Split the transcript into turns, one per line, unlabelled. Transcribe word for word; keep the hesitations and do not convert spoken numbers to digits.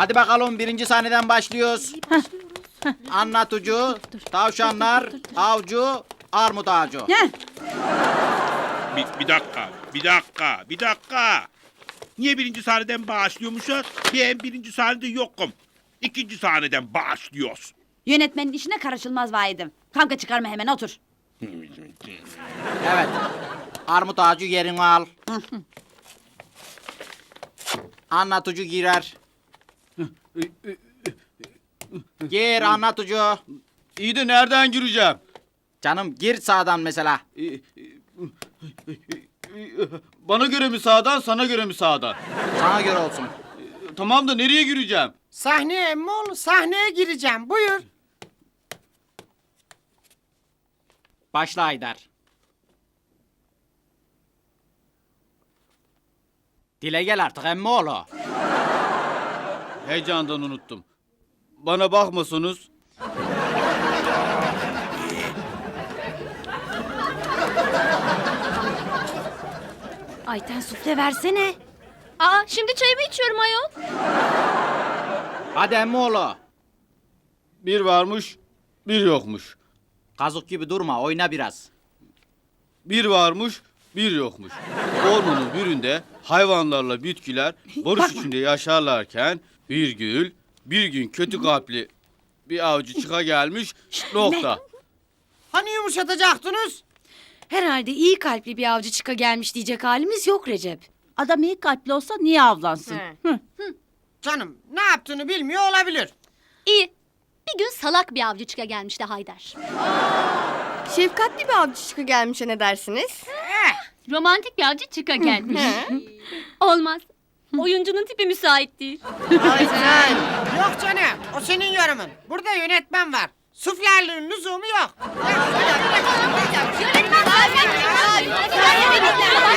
Hadi bakalım birinci sahneden başlıyoruz. Anlatıcı, tavşanlar, avcı, armut ağacı.
Heh.
Bir, bir dakika, bir dakika, bir dakika. Niye birinci sahneden başlıyormuşuz? Ben birinci sahnede yokum. İkinci sahneden başlıyoruz.
Yönetmenin işine karışılmaz vahidim. Kavga çıkarma hemen otur.
Evet. Armut ağacı yerini al. Anlatıcı girer. Gir anlatıcı.
İyi de nereden gireceğim?
Canım gir sağdan mesela.
Bana göre mi sağdan, sana göre mi sağdan?
Sana göre olsun.
Tamam da nereye gireceğim?
Sahneye emmoğlu, sahneye gireceğim. Buyur.
Başla Haydar. Dile gel artık emmoğlu.
Heyecandan unuttum. Bana bakmasanız.
Ayten sufle versene.
Aa, şimdi çayımı içiyorum ayol.
Hadi emmoğlu.
Bir varmış, bir yokmuş.
Kazık gibi durma, oyna biraz.
Bir varmış, bir yokmuş. Ormanın birinde hayvanlarla bitkiler barış içinde yaşarlarken bir gül, bir gün kötü kalpli bir avcı çıka gelmiş. Nokta.
Hani yumuşatacaktınız?
Herhalde iyi kalpli bir avcı çıka gelmiş diyecek halimiz yok Recep.
Adam iyi kalpli olsa niye avlansın?
He.
Hı.
Canım ne yaptığını bilmiyor olabilir.
İyi. Bir gün salak bir avcı çıka gelmişti Haydar.
Şefkatli bir avcı çıkı gelmişe ne dersiniz?
Romantik bir avcı çıka gelmiş. Olmaz. Oyuncunun tipi müsait değil.
Ayten. Yok canım, o senin yorumun. Burada yönetmen var. Suflerliğin lüzumu yok.
Yönetmen